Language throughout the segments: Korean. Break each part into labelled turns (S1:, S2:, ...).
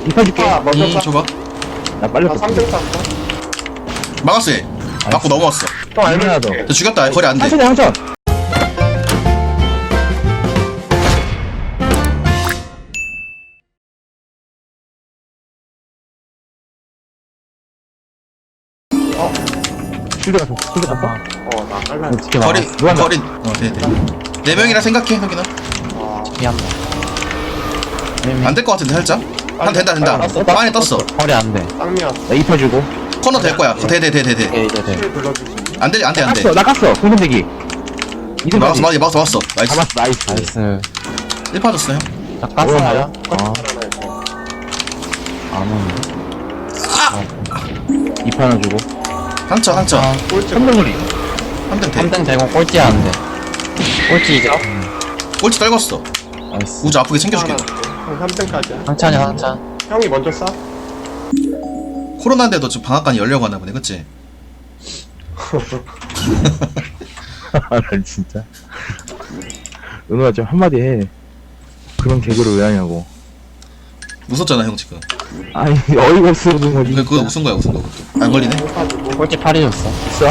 S1: 이파 줄게.
S2: 먼저 쏴.
S3: 줘봐.
S1: 나 빨리
S2: 나 3등 쐈어.
S3: 막았어 얘. 맞고 넘어왔어.
S2: 형 알면
S1: 하나 더.
S2: 줄게.
S3: 저 죽였다. 거리 안 돼.
S1: 한천에 한천. 실드 갔어. 실드 갔어.
S2: 나 빨라.
S3: 거리
S1: 누가
S3: 거리. 네네. 네 명이라 생각해 형이나.
S4: 미안다.
S3: 안 될 것 같은데 살짝. 한 된다. 안에 떴어.
S4: 허리 안 돼.
S2: 쌍미였어.
S1: 나 이파 주고.
S3: 코너 될 거야. 돼.
S4: 네.
S2: 실 불러주지.
S3: 안 돼.
S1: 나 깠어. 공선대기. 이등
S3: 막았어. 나이스.
S1: 잡았어. 나이스.
S4: 나이스.
S3: 1 빠졌어요.
S4: 자, 깠어요?
S1: 아,
S4: 안 오는데.
S1: 이파 하나 주고.
S3: 상처.
S2: 꼴찌.
S1: 3등 거리.
S3: 3등 돼.
S4: 3등 되고 꼴찌 안 돼. 꼴찌 이제.
S3: 꼴찌 떨궜어.
S4: 나이스.
S3: 우주 아프게 챙겨줄게.
S2: 형 3등까지야.
S4: 상찬.
S2: 형이 먼저 쏴.
S3: 코로나인데도 지금 방학간이 열려고 하나 보네. 그치?
S1: 아, 난 진짜. 은호야 좀 한마디 해. 그런 개그를 왜 하냐고.
S3: 웃었잖아 형 지금.
S1: 아니 어이가 없어 그런 거지.
S3: 그거 웃은 거야 그것도. 안 걸리네.
S4: 꼴찌 8이 줬어.
S1: 있어?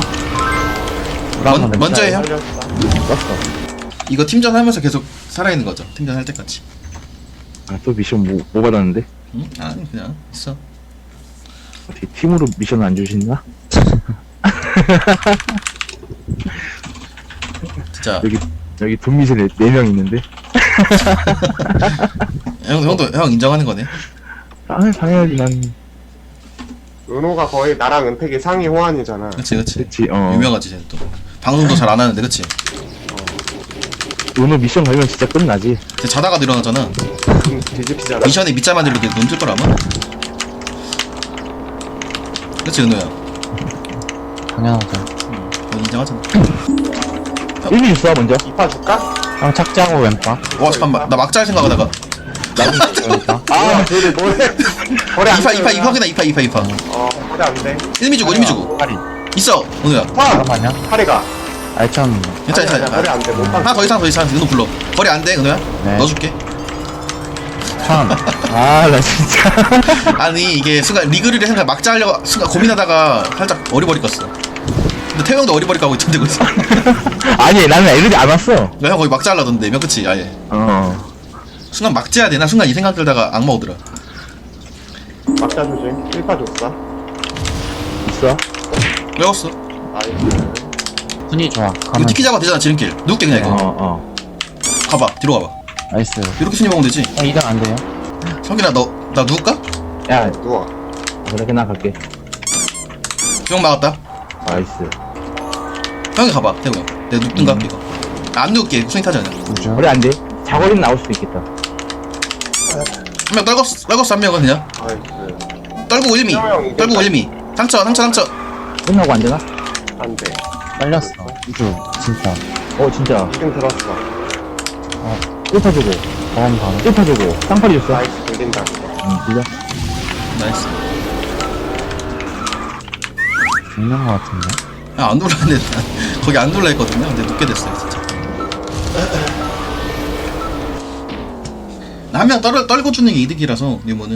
S3: 먼저 해 형.
S2: 살렸어.
S1: 떴어.
S3: 이거 팀전 하면서 계속 살아있는 거죠. 팀전 할 때까지.
S1: 아, 또 미션 뭐 받았는데?
S3: 응? 아니 그냥 있어.
S1: 어떻게 팀으로 미션 안 주시나?
S3: 진짜.
S1: 여기 돈 미션 4명 있는데?
S3: 형 인정하는 거네.
S1: 당연하지 난.
S2: 은호가 거의 나랑 은택이 상위 호환이잖아.
S3: 그치.
S1: 그치
S3: 유명하지 쟤는 또. 방송도 잘 안 하는데 그치?
S1: 은호 미션 걸면 진짜 끝나지.
S3: 쟤 자다가 일어나잖아.
S2: 뒤집히잖아.
S3: 미션에 밑자만 이렇게 눈뜰 거라면. 그치 은호야.
S4: 당연하죠.
S3: 넌 인정하잖아.
S1: 1미 줬어 먼저.
S2: 이파 줄까?
S4: 형 착지하고 왼쪽.
S3: 와 잠깐만 나 막자 할 생각하다가.
S4: 왼쪽.
S2: 아, 둘이 뭐해? 거리 안 돼.
S3: 이파구나 이파.
S2: 거리 안 돼.
S3: 1미 주고.
S4: 팔이.
S3: 있어 은호야.
S4: 잠깐만요.
S2: 파리가.
S4: 알천.
S3: 괜찮아.
S2: 거리 안 돼. 못 봐.
S3: 하나 더 이상 은호 불러. 거리 안 돼 은호야.
S4: 네.
S3: 넣어줄게.
S4: 천.
S1: 아 나 진짜.
S3: 아니 이게 순간 리그를 생각 막자 하려고 순간 고민하다가 살짝 어리버리 껐어. 근데 태형도 어리버리 까고 있던데 그래서.
S1: 아니 나는 애들이 안 왔어.
S3: 형 거기 막자 하려던데 몇 그치 아예. 순간 막자야 되나 순간 이 생각 들다가 악마 오더라.
S2: 막자 주지. 1파 줬어.
S1: 있어?
S3: 외웠어.
S2: 나이스.
S4: 순위 좋아.
S3: 이거
S4: 가면.
S3: 티키 잡아 되잖아 지름길. 누울게 그냥 이거. 가봐 뒤로 가봐.
S4: 나이스.
S3: 이렇게 순위 먹으면 되지.
S4: 2등 안 돼요?
S3: 성균아 나 누울까?
S1: 야
S2: 누워.
S1: 그렇게 나 갈게.
S3: 형 막았다.
S1: 나이스.
S3: 형이 가봐 태우야. 내가 눕든가 이거. 안 누울게 순위 타지 않아.
S4: 우주.
S1: 거리 안 돼. 자거리는 나올 수도 있겠다.
S3: 한 명 떨궜어 한 명은 그냥.
S2: 나이스.
S3: 떨구고 1미.
S2: 형,
S3: 떨구고 1미. 상처.
S1: 끝나고 안 되나?
S2: 안 돼.
S4: 빨렸어. 우주. 진짜.
S1: 진짜.
S2: 2등 들었어.
S1: 1파 주고.
S4: 다음 바로.
S1: 1파 주고. 쌍팔이 줬어.
S2: 나이스. 들린다.
S1: 들려?
S3: 나이스.
S4: 죽는 거 같은데.
S3: 안 놀랐는데 거기 안 놀라 했거든요. 근데 눕게 됐어요 진짜. 한 명 떨고 주는 게 이득이라서 뉴모는.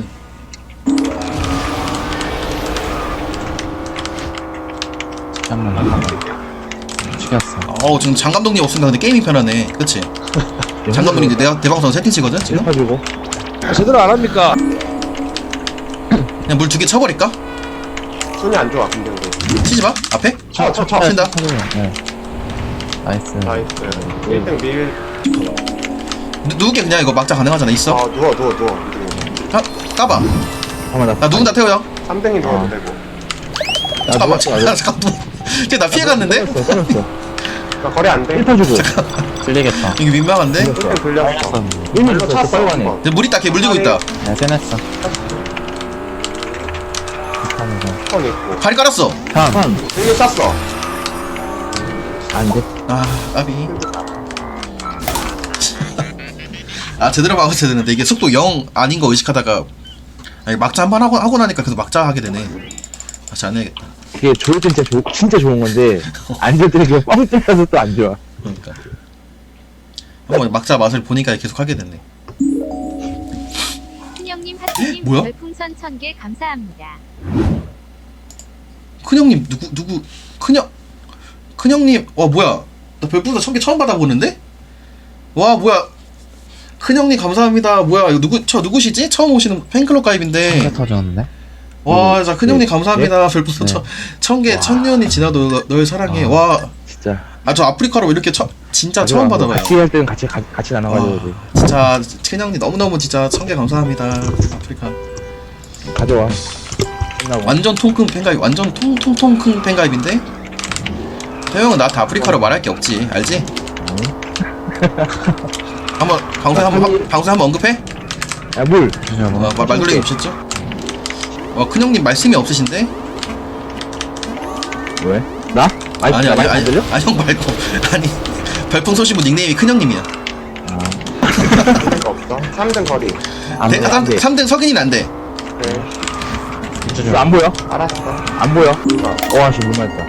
S4: 잠깐만. 죽였어.
S3: 지금 장 감독님 없으니까 근데 게임이 편하네. 그치? 장 감독님 이제 내가 대방송 세팅 치거든 지금.
S1: 1파 주고.
S5: 제대로 안 합니까?
S3: 그냥 물 2개 쳐버릴까?
S2: 손이 안 좋아. 근데 우리.
S3: 치지 마. 앞에.
S2: 쳐.
S3: 친다.
S4: 네. 나이스.
S2: 나이스. 1등 밀.
S3: 누울게 그냥 이거 막자 가능하잖아. 있어.
S2: 누워.
S3: 까봐.
S1: 잠깐만
S3: 나 누군다 태워요.
S2: 3등이 누워도 되고.
S3: 잠깐만. 쟤나 피해갔는데?
S1: 떨었어.
S2: 나 거리 안 돼.
S1: 1파 주고.
S4: 들리겠다.
S3: 이게 민망한데?
S2: 1등 들렸어.
S4: 빨렸어.
S1: 1미 줬어.
S2: 찼어.
S1: 빨리 가네.
S3: 근데 물 있다. 걔 물 주고 있다.
S4: 네, 세냈어.
S2: 턴 있고.
S3: 다리 깔았어.
S4: 천.
S2: 등에 쐈어.
S1: 안 돼.
S3: 까비. 제대로 막았어야 되는데 이게 속도 0 아닌 거 의식하다가 막자 한 번 하고 나니까 계속 막자 하게 되네. 다시 안 해야겠다.
S1: 그게 좋을 땐 진짜 좋은 건데 안 좋을 때는 그냥 뻥 뚫려서 또 안 좋아.
S3: 그러니까 한번 막자 맛을 보니까 계속 하게 됐네.
S6: 큰형님 하트님
S3: 뭐야?
S6: 별풍선 1000개 감사합니다.
S3: 큰형님 누구 큰형님 뭐야 나 별풍선 1000개 처음 받아보는데? 와 뭐야 큰형님 감사합니다. 뭐야 이거 누구시지? 처음 오시는 팬클럽 가입인데
S4: 한개 터졌는데?
S3: 와 자 큰형님
S1: 네.
S3: 감사합니다. 별풍선
S4: 네.
S3: 1000개 1000년이 지나도 널 사랑해. 와
S1: 진짜.
S3: 저 아프리카로 이렇게 진짜 처음 받아봐요.
S1: 같이 할 때는 같이 나눠가지고.
S3: 진짜 큰형님 너무너무 진짜 1000개 감사합니다. 아프리카
S1: 가져와. 끝나고.
S3: 완전 통큰 팬가입 완전 통통통큰 팬가입인데 태형은 나한테 아프리카로 말할 게 없지 알지? 한번 방송에 한번 언급해?
S1: 야, 물.
S3: 말 돌리기 없었죠? 큰형님 말씀이 없으신데?
S1: 왜? 나?
S3: 아니
S1: 안 들려?
S3: 형 말고 아니 별풍선 쏘시고 닉네임이 큰형님이야.
S2: 그거 없어. 3등 거리.
S1: 안 돼, 안 돼.
S3: 3등 석인이는 안 돼.
S2: 네.
S1: 이거 안 보여?
S2: 알았어.
S1: 안 보여? 와, 씨, 물 맞다.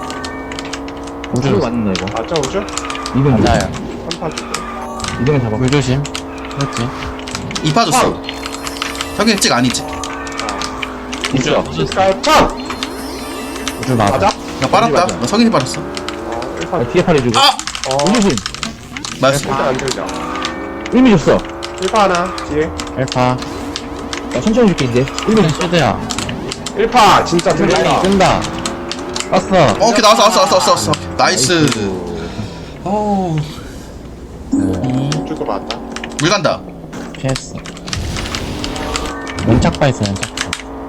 S1: 우주 맞는다, 이거.
S2: 맞죠, 우주?
S1: 이건
S4: 맞아요.
S2: 3파 주고.
S1: 이동은 잡아.
S4: 물 조심. 그렇지.
S3: 이파 줬어. 석인 찍 아니지?
S1: 있어.
S2: 실까요? 참!
S4: 우주 맞아.
S2: 맞아?
S3: 나 빨았다. 나 석인이 빨았어.
S2: 1파
S1: 뒤에 팔해주고.
S3: 아!
S1: 우주신.
S3: 맞았어.
S2: 일단 안 들려.
S1: 의미 줬어.
S2: 1파 하나, 뒤에.
S4: 1파.
S1: 나 천천히 줄게, 이제.
S4: 이건 슈드야.
S2: 1파, 진짜 들린다.
S4: 끈다. 떴어.
S3: 오케이 나왔어. 나이스. 오.
S2: 우주도 맞다.
S3: 물 간다.
S4: 피했어. 연착파 있어, 연착파.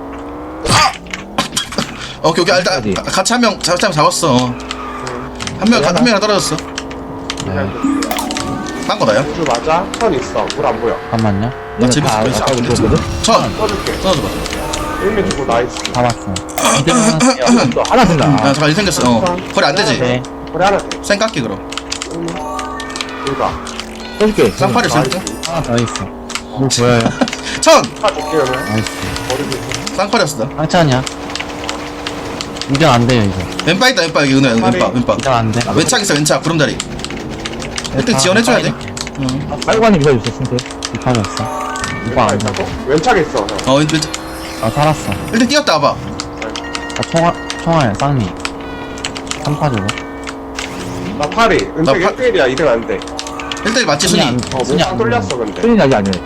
S3: 오케이 일단
S1: 어디?
S3: 같이 한 명 잡았어. 한 명이랑 떨어졌어.
S4: 네.
S3: 딴 거다요?
S2: 우주 맞아? 선 있어. 물 안 보여.
S4: 잠깐만요.
S3: 나 재밌어.
S1: 아까 우리 줬거든?
S3: 천
S2: 써줄게.
S3: 써줘봐.
S2: 1미 주고 나이스.
S4: 다 봤어.
S1: 너 하나 된다.
S3: 아 잠깐 일 생겼어. 거리 안 되지?
S4: 네.
S2: 거리 하나 돼.
S3: 쌩 깎기 그럼.
S2: 1미. 여기다.
S1: 써줄게.
S3: 쌍팔이 있을 때?
S4: 하나 더 있어. 물 보여요?
S3: 천!
S2: 파 줄게, 그러면.
S4: 나이스.
S2: 거리 주고.
S3: 쌍팔이었어.
S4: 상찬이야. 이전 안 돼요, 이제.
S3: 왼바 있다 왼바 여기 왼바.
S4: 이전 안 돼.
S3: 왼착 있어 왼착 구름다리. 1등 지원해줘야 돼. 응.
S1: 빨고 가는 미사 줬어, 승태.
S4: 이파 줬어. 이거 안 돼.
S2: 있다고? 왼쪽에 있어, 형.
S3: 왼착.
S4: 나 살았어.
S3: 1등 뛰었다 와봐.
S4: 나 총알, 쌍미. 3파 주고.
S2: 나 파리. 은택
S3: 파-
S2: 1대1이야. 2등 안 돼.
S3: 1등 맞지 순위?
S4: 순위
S2: 몸빵
S4: 안
S2: 돌렸어, 근데.
S1: 소리 나지 않네.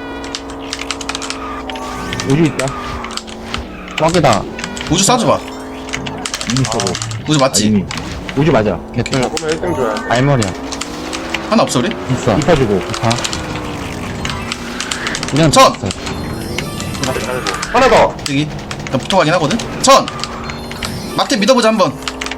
S1: 우주 있다.
S4: 뻑이다.
S3: 우주 쏴줘봐.
S1: 이미 쓰고.
S3: 우주 맞지?
S1: 이미. 우주 맞아.
S4: 개뿔.
S2: 먹으면 1등 줘야 돼.
S4: 알머리야.
S3: 하나 없어 우리?
S4: 있어.
S1: 이파 주고.
S4: 이파. 이건
S3: 천!
S4: 줬어.
S2: 하나 더.
S3: 여기 나 붙어가긴 하거든? 천! 막대 믿어보자 한번.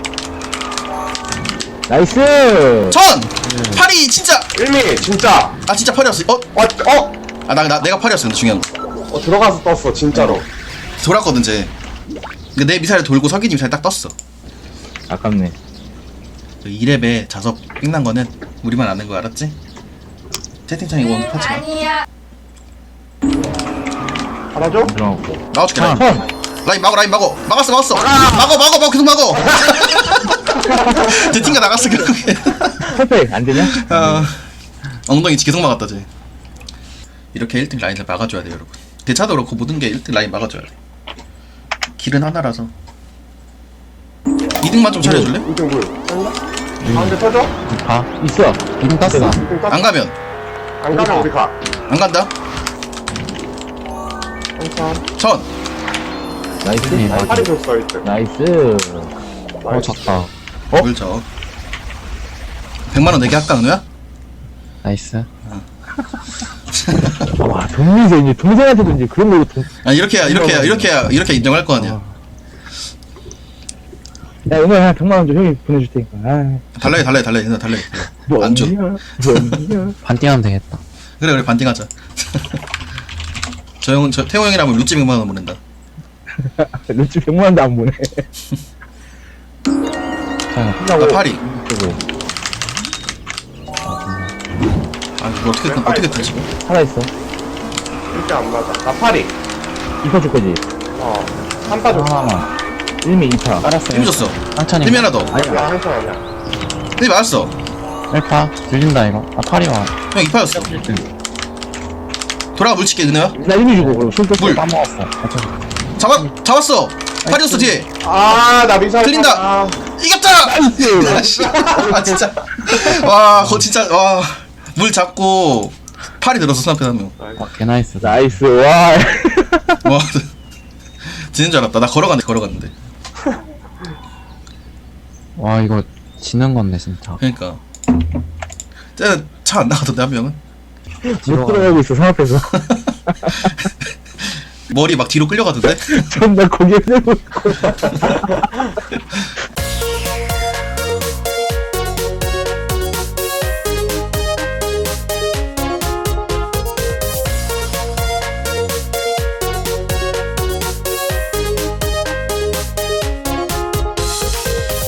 S1: 나이스!
S3: 천! 팔이 진짜!
S2: 1미, 진짜.
S3: 아 진짜 팔이었어. 내가 팔이었어 근데 중요한 거.
S2: 들어가서 떴어, 진짜로.
S3: 돌았거든 쟤. 근데 내 미사일 돌고 석인이 미사일 딱 떴어.
S1: 아깝네.
S3: 저 2렙에 자석 삥난 거는 우리만 아는 거 알았지? 채팅창에 원 하지 마.
S2: 하나 줘?
S1: 들어가고.
S3: 나와줄게 라인.
S1: 천!
S3: 라인 막어. 막았어. 막어 계속 막어. 쟤 튕겨 나갔어 결국에.
S1: 퍼펙! 안 되냐?
S3: 엉덩이 계속 막았다 쟤. 이렇게 1등 라인을 막아줘야 돼요 여러분. 대차도 그렇고 모든 게 1등 라인 막아줘야 돼. 길은 하나라서. 2등만 좀 차려줄래?
S2: 2등 물. 가운데 터져?
S4: 이파.
S1: 있어.
S4: 이등 땄어.
S2: 2등 떴어.
S3: 안 가면
S2: 안 가면 우리 가.
S3: 안 간다.
S2: 천천.
S3: 천.
S1: 나이스.
S4: 네,
S2: 나 팔이 줬어, 1등.
S1: 나이스.
S4: 작다.
S3: 물 쳐. 100만 원 내게 할까 은우야?
S4: 나이스.
S1: 와, 동민세, 이제 동생한테도 이제 그런 걸로 돈.
S3: 이렇게 인정할 거 아니야.
S1: 야, 오늘 한 100만원 좀 형이 보내줄 테니까. 아,
S3: 달래.
S1: 뭐
S3: 안 줘.
S1: 뭐냐.
S4: 반띵하면 되겠다.
S3: 그래 반띵하자. 태호 형이라면 루찌 100만 원 보낸다.
S1: 루치 100만원도 안 보내.
S3: 나 파리.
S1: 그리고
S3: 이거 어떻게 터지?
S1: 살아있어.
S2: 1등 안 맞아. 나 팔이.
S1: 이파 줄 거지?
S2: 3파 줬어.
S4: 하나만.
S1: 1미 2파.
S4: 알았어.
S3: 힘 줬어.
S4: 상찬이.
S3: 힘이 하나 더.
S2: 야, 한판 아니야.
S3: 힘이 맞았어.
S4: 1파. 들린다, 이거. 아, 파리 와.
S3: 형 2파였어. 돌아가 물 칠게 은혜야.
S1: 나 이미 주고 그럼 손 떴어.
S3: 물.
S4: 까먹었어.
S3: 잡았어. 파리우스 뒤에.
S2: 아나 미사일
S3: 들린다.
S2: 탔다.
S3: 이겼다. 아, 씨. 아 진짜. 와, 거 진짜 와. 물 잡고 팔이 들어서 스나페 한 명.
S4: 와, 개나이스.
S1: 나이스. 와.
S3: 와. 지는 줄 알았다. 나 걸어갔는데.
S4: 와, 이거 지는 건데, 진짜.
S3: 그러니까. 쟤는 차 안 나가던데 한 명은.
S1: 못 들어가고 있어 산 앞에서.
S3: 머리 막 뒤로 끌려가던데.
S1: 존나 고개 들고.